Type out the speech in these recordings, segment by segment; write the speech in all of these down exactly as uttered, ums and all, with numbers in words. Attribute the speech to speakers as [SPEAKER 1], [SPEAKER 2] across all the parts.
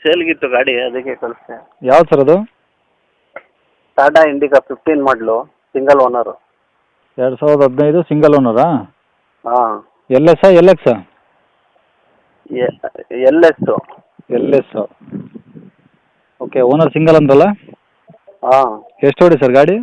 [SPEAKER 1] ಸೇಲ್ಗಿತ್ತು ಗಾಡಿ, ಅದಕ್ಕೆ ಕಳಿಸ್ದೆ.
[SPEAKER 2] ಯಾವ್ದು ಸರ್ ಅದು?
[SPEAKER 1] ಟಾಟಾ ಇಂಡಿಕಾ ಫಿಫ್ಟೀನ್ ಮಾಡಲು, ಸಿಂಗಲ್ ಓನರು.
[SPEAKER 2] ಎರಡು ಸಾವಿರದ ಹದಿನೈದು ಸಿಂಗಲ್ ಓನರಾ?
[SPEAKER 1] ಹಾಂ.
[SPEAKER 2] L S L X
[SPEAKER 1] L S.
[SPEAKER 2] L S. Okay, owner single ಅಂದ್ರಲ್ಲ?
[SPEAKER 1] ಹಾಂ.
[SPEAKER 2] ಎಷ್ಟು ಹೊಡಿ ಸರ್ ಗಾಡಿ?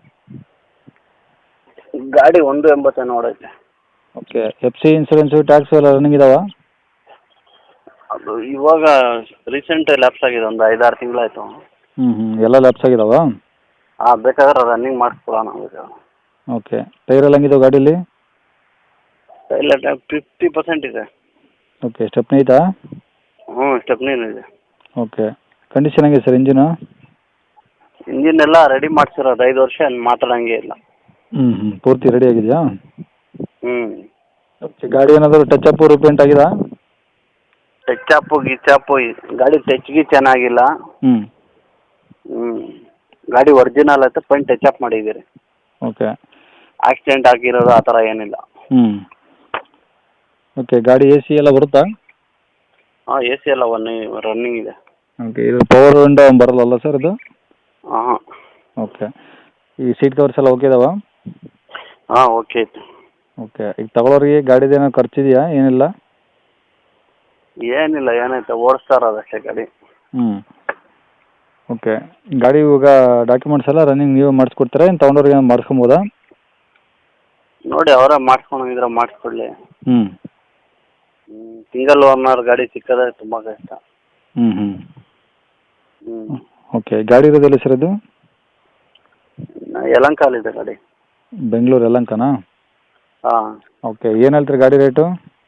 [SPEAKER 1] ಗಾಡಿ ಒಂದು ಎಂಬತ್ತೇನು ಓಡೈತೆ.
[SPEAKER 2] Okay, F C insurance tax ಎಲ್ಲ ರನ್ನಿಂಗ್ ಇದಾವ?
[SPEAKER 1] ಅದು ಇವಾಗ ರೀಸೆಂಟ್ ಲ್ಯಾಪ್ಸ್ ಆಗಿದೆ, ಒಂದು ಐದಾರು ತಿಂಗಳಾಯ್ತು.
[SPEAKER 2] ಹ್ಞೂ ಹ್ಞೂ ಎಲ್ಲ ಲ್ಯಾಪ್ಸ್ ಆಗಿದಾವ?
[SPEAKER 1] ಹಾಂ, ಬೇಕಾದ್ರೆ ರನ್ನಿಂಗ್ ಮಾಡಿಸ್ಕೊಡೋಣ.
[SPEAKER 2] ಓಕೆ, ಟೈರ್ ಎಲ್ಲ ಹೆಂಗಿದಾವೆ ಗಾಡೀಲಿ?
[SPEAKER 1] ಇಲ್ಲ, ಫಿಫ್ಟಿ ಪರ್ಸೆಂಟ್ ಇದೆ.
[SPEAKER 2] ಓಕೆ, ಸ್ಟೆಪ್ನಿ ಐತಾ?
[SPEAKER 1] ಹ್ಞೂ, ಸ್ಟೆಪ್ನಿನೂ ಇದೆ.
[SPEAKER 2] ಓಕೆ, ಕಂಡೀಷನ್ ಹೆಂಗಿದೆ ಸರ್ ಇಂಜಿನು?
[SPEAKER 1] ಇಂಜಿನ್ ಎಲ್ಲ ರೆಡಿ ಮಾಡಿಸಿರೋದು, ಐದು ವರ್ಷ ಮಾತಾಡೋಂಗೆ ಇಲ್ಲ.
[SPEAKER 2] ಹ್ಞೂ ಹ್ಞೂ ಪೂರ್ತಿ ರೆಡಿ ಆಗಿದೆಯಾ?
[SPEAKER 1] ಹ್ಞೂ.
[SPEAKER 2] ಓಕೆ, ಗಾಡಿ ಏನಾದರೂ ಟಚ್ ಅಪ್ ರಿಪೇಂಟ್ ಆಗಿದಾ?
[SPEAKER 1] ಟಚ್ ಅಪ್ಪು ಗಿಚ್ ಅಪ್ಪು ಗಾಡಿ ಟಚ್ಗೆ ಚೆನ್ನಾಗಿಲ್ಲ.
[SPEAKER 2] ಹ್ಞೂ
[SPEAKER 1] ಹ್ಞೂ ಗಾಡಿ ಒರಿಜಿನಲ್ ಆಯ್ತು, ಪೈಂಟ್ ಟಚ್ ಅಪ್ ಮಾಡಿದ್ದೀರಿ.
[SPEAKER 2] ಓಕೆ.
[SPEAKER 1] ಆಕ್ಸಿಡೆಂಟ್ ಆಗಿರೋದು ಆ ಥರ ಏನಿಲ್ಲ.
[SPEAKER 2] ಹ್ಞೂ ಓಕೆ, ಗಾಡಿ ಎ ಸಿ ಎಲ್ಲ ಬರುತ್ತಾ?
[SPEAKER 1] ಹಾಂ, ಎ ಸಿ ಎಲ್ಲ ಒನ್ ರನ್ನಿಂಗ್ ಇದೆ.
[SPEAKER 2] ಓಕೆ, ಇದು ಪವರ್ ವಿಂಡೋ ಬರಲ್ಲ ಸರ್ ಇದು?
[SPEAKER 1] ಹಾಂ ಹಾಂ.
[SPEAKER 2] ಓಕೆ, ಈ ಸೀಟ್ ಕವರ್ಸ್ ಎಲ್ಲ ಓಕೆ ಇದಾವಾ?
[SPEAKER 1] ಹಾಂ, ಓಕೆ ಐತೆ.
[SPEAKER 2] ಓಕೆ, ಈಗ ತಗೊಳ್ಳೋರಿಗೆ ಗಾಡಿದೇನೋ ಖರ್ಚಿದೆಯಾ? ಏನಿಲ್ಲ?
[SPEAKER 1] ಏನಿಲ್ಲ, ಏನೈತೆ ಓಡಿಸ್ತಾ ಇರೋದು ಅಷ್ಟೇ ಗಾಡಿ.
[SPEAKER 2] ಹ್ಞೂ ಓಕೆ, ಗಾಡಿ ಇವಾಗ ಡಾಕ್ಯುಮೆಂಟ್ಸ್ ಎಲ್ಲ ರನ್ನಿಂಗ್ ನೀವು ಮಾಡಿಸ್ಕೊಡ್ತೀರಾ, ಏನು ತೊಗೊಂಡವ್ರಿಗೆ ಮಾಡಿಸ್ಕೊಬೋದಾ?
[SPEAKER 1] ನೋಡಿ, ಅವರೇ ಮಾಡಿಸ್ಕೊಂಡಿದ್ರೆ ಮಾಡಿಸ್ಕೊಡ್ಲಿ.
[SPEAKER 2] ಹ್ಞೂ
[SPEAKER 1] ಸಿಂಗಲ್ ಓನರ್ ಗಾಡಿ ಸಿಕ್ಕದೆ ತುಂಬ ಕಷ್ಟ.
[SPEAKER 2] ಹ್ಞೂ ಹ್ಞೂ
[SPEAKER 1] ಹ್ಞೂ
[SPEAKER 2] ಓಕೆ, ಗಾಡಿ ಇರೋದಿಲ್ಲ ಸರ್ ಇದು?
[SPEAKER 1] ಯಲಂಕಾಲಿದೆ ಗಾಡಿ.
[SPEAKER 2] ಬೆಂಗಳೂರು ಯಲಂಕನಾ?
[SPEAKER 1] ಹಾಂ.
[SPEAKER 2] ಓಕೆ, ಏನು ಹೇಳ್ತೀರಿ ಗಾಡಿ ರೇಟು?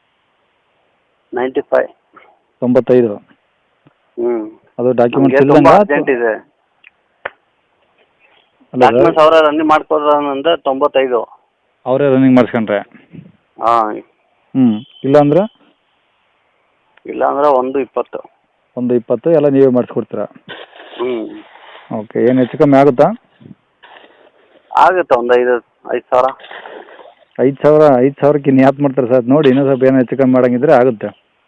[SPEAKER 1] Ninety five.
[SPEAKER 2] ತೊಂಬತ್ತೈದು.
[SPEAKER 1] ಹ್ಞೂ
[SPEAKER 2] ಅದು ಡಾಕ್ಯುಮೆಂಟ್ಸ್
[SPEAKER 1] ತುಂಬ
[SPEAKER 2] ಇಲ್ಲ?
[SPEAKER 1] ಅರ್ಜೆಂಟ್ ಇದೆ. ಡಾಕ್ಯುಮೆಂಟ್ಸ್ ಅವರೇ ರನ್ನಿಂಗ್ ಮಾಡ್ಕೋದ್ರೆ ತೊಂಬತ್ತೈದು.
[SPEAKER 2] ಅವರೇ ರನ್ನಿಂಗ್ ಮಾಡಿಸ್ಕೊಂಡ್ರೆ?
[SPEAKER 1] ಹಾಂ.
[SPEAKER 2] ಹ್ಞೂ ಇಲ್ಲ ಅಂದ್ರೆ?
[SPEAKER 1] ಇಲ್ಲ ಅಂದ್ರೆ ಒಂದು ಇಪ್ಪತ್ತು.
[SPEAKER 2] ಒಂದು ಇಪ್ಪತ್ತು ಎಲ್ಲ ನೀವೇ ಮಾಡಿಸ್ಕೊಡ್ತೀರಾ?
[SPEAKER 1] ಹ್ಞೂ
[SPEAKER 2] ಓಕೆ, ಏನು ಹೆಚ್ಚು ಕಮ್ಮಿ ಆಗುತ್ತಾ?
[SPEAKER 1] ಆಗುತ್ತೆ, ಒಂದು ಐದು ಐದು ಸಾವಿರ.
[SPEAKER 2] ಐದು ಸಾವಿರ ಐದು ಸಾವಿರಕ್ಕೆ ಇನ್ನು ಯಾಕೆ ಮಾಡ್ತಾರೆ ಸರ್? ನೋಡಿ, ಇನ್ನೂ ಸ್ವಲ್ಪ ಏನೋ ಹೆಚ್ಚು ಕಮ್ಮಿ ಮಾಡೋಂಗಿದ್ರೆ ಆಗುತ್ತೆ.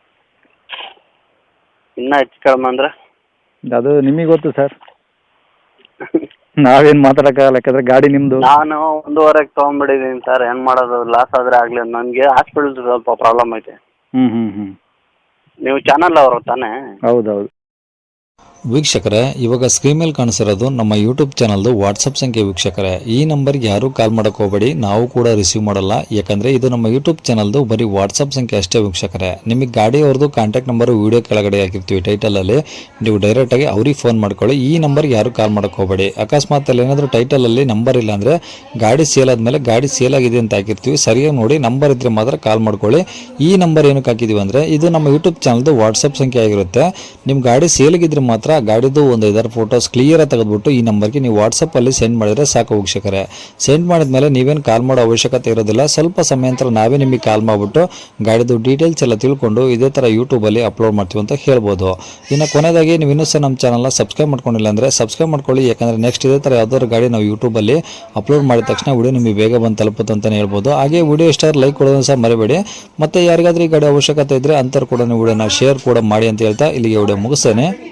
[SPEAKER 1] ಇನ್ನೂ ಹೆಚ್ಚು ಕಡಿಮೆ ಅಂದರೆ?
[SPEAKER 2] ಅದು ನಿಮಗೆ ಗೊತ್ತು ಸರ್, ನಾವೇನು ಮಾತಾಡೋಕ್ಕಾಗಲ್ಲ, ಯಾಕಂದರೆ ಗಾಡಿ ನಿಮ್ಮದು.
[SPEAKER 1] ನಾನು ಒಂದೂವರೆಗೆ ತೊಗೊಂಡ್ಬಿಟ್ಟಿದ್ದೀನಿ ಸರ್, ಏನು ಮಾಡೋದು? ಲಾಸ್ ಆದರೆ ಆಗಲಿ. ನನಗೆ ಹಾಸ್ಪಿಟಲ್ ಸ್ವಲ್ಪ ಪ್ರಾಬ್ಲಮ್ ಐತೆ.
[SPEAKER 2] ಹ್ಞೂ ಹ್ಞೂ ಹ್ಞೂ
[SPEAKER 1] ನೀವು ಚಾನಲ್ ಅವರು ತಾನೇ?
[SPEAKER 2] ಹೌದೌದು.
[SPEAKER 3] ವೀಕ್ಷಕರೇ, ಇವಾಗ ಸ್ಕ್ರೀನ್ ಮೇಲೆ ಕಾಣಿಸಿರೋದು ನಮ್ಮ ಯೂಟ್ಯೂಬ್ ಚಾನಲ್ದು ವಾಟ್ಸಪ್ ಸಂಖ್ಯೆ. ವೀಕ್ಷಕರೇ, ಈ ನಂಬರ್ಗೆ ಯಾರೂ ಕಾಲ್ ಮಾಡೋಕೆ ಹೋಗಬೇಡಿ, ನಾವು ಕೂಡ ರಿಸೀವ್ ಮಾಡಲ್ಲ. ಯಾಕಂದರೆ ಇದು ನಮ್ಮ ಯೂಟ್ಯೂಬ್ ಚಾನಲ್ದು ಬರೀ ವಾಟ್ಸಪ್ ಸಂಖ್ಯೆ ಅಷ್ಟೇ. ವೀಕ್ಷಕರೇ, ನಿಮಗೆ ಗಾಡಿಯವ್ರದ್ದು ಕಾಂಟ್ಯಾಕ್ಟ್ ನಂಬರು ವೀಡಿಯೋ ಕೆಳಗಡೆ ಹಾಕಿರ್ತೀವಿ ಟೈಟಲಲ್ಲಿ, ನೀವು ಡೈರೆಕ್ಟಾಗಿ ಅವ್ರಿಗೆ ಫೋನ್ ಮಾಡ್ಕೊಳ್ಳಿ. ಈ ನಂಬರ್ಗೆ ಯಾರೂ ಕಾಲ್ ಮಾಡೋಕೆ ಹೋಗಬೇಡಿ. ಅಕಸ್ಮಾತ್ ಅಲ್ಲಿ ಏನಾದರೂ ಟೈಟಲಲ್ಲಿ ನಂಬರ್ ಇಲ್ಲ ಅಂದರೆ ಗಾಡಿ ಸೇಲ್ ಆದಮೇಲೆ ಗಾಡಿ ಸೇಲ್ ಆಗಿದೆ ಅಂತ ಹಾಕಿರ್ತೀವಿ, ಸರಿಯಾಗಿ ನೋಡಿ ನಂಬರ್ ಇದ್ದರೆ ಮಾತ್ರ ಕಾಲ್ ಮಾಡ್ಕೊಳ್ಳಿ. ಈ ನಂಬರ್ ಏನಕ್ಕೆ ಹಾಕಿದ್ದೀವಿ ಅಂದರೆ ಇದು ನಮ್ಮ ಯೂಟ್ಯೂಬ್ ಚಾನಲ್ದು ವಾಟ್ಸಪ್ ಸಂಖ್ಯೆ ಆಗಿರುತ್ತೆ. ನಿಮ್ಮ ಗಾಡಿ ಸೇಲಿಗಿದ್ರೆ ಮಾತ್ರ ಗಾಡಿದು ಒಂದು ಐದಾರು ಫೋಟೋಸ್ ಕ್ಲಿಯರಾಗಿ ತೆಗೆದುಬಿಟ್ಟು ಈ ನಂಬರ್ಗೆ ನೀವು ವಾಟ್ಸಪ್ಪಲ್ಲಿ ಸೆಂಡ್ ಮಾಡಿದರೆ ಸಾಕು. ವೀಕ್ಷಕರೇ, ಸೆಂಡ್ ಮಾಡಿದ್ಮೇಲೆ ನೀವೇನು ಕಾಲ್ ಮಾಡೋ ಅವಶ್ಯಕತೆ ಇರೋದಿಲ್ಲ. ಸ್ವಲ್ಪ ಸಮಯ ನಂತರ ನಾವೇ ನಿಮಗೆ ಕಾಲ್ ಮಾಡಿಬಿಟ್ಟು ಗಾಡಿದು ಡೀಟೇಲ್ಸ್ ಎಲ್ಲ ತಿಳ್ಕೊಂಡು ಇದೇ ಥರ ಯೂಟ್ಯೂಬಲ್ಲಿ ಅಪ್ಲೋಡ್ ಮಾಡ್ತೀವಿ ಅಂತ ಹೇಳ್ಬೋದು. ಇನ್ನು ಕೊನೆಯದಾಗಿ ನೀವು ಇನ್ನೂ ಸಹ ನಮ್ಮ ಚಾನಲ್ನ ಸಬ್ಸ್ಕ್ರೈಬ್ ಮಾಡ್ಕೊಂಡಿಲ್ಲ ಅಂದರೆ ಸಬ್ಸ್ಕ್ರೈಬ್ ಮಾಡ್ಕೊಳ್ಳಿ. ಯಾಕಂದರೆ ನೆಕ್ಸ್ಟ್ ಇದೇ ಥರ ಯಾವ್ದಾದ್ರು ಗಾಡಿ ನಾವು ಯೂಟ್ಯೂಬಲ್ಲಿ ಅಪ್ಲೋಡ್ ಮಾಡಿದ ತಕ್ಷಣ ವಿಡಿಯೋ ನಿಮಗೆ ಬೇಗ ಬಂದು ತಲುಪುತ್ತೆ ಅಂತಲೇ ಹೇಳ್ಬೋದು. ಹಾಗೆ ವಿಡಿಯೋ ಇಷ್ಟ ಲೈಕ್ ಕೊಡೋದನ್ನು ಸಹ ಮರಿಬೇಡಿ. ಮತ್ತು ಯಾರಿಗಾದ್ರೂ ಈ ಗಾಡಿ ಅವಶ್ಯಕತೆ ಇದ್ದರೆ ಅಂಥವ್ರು ಕೂಡ ನೀವು ವಿಡಿಯೋನ ಶೇರ್ ಕೂಡ ಮಾಡಿ ಅಂತ ಹೇಳ್ತಾ ಇಲ್ಲಿಗೆ ವಿಡಿಯೋ ಮುಗಿಸ್ತೇನೆ.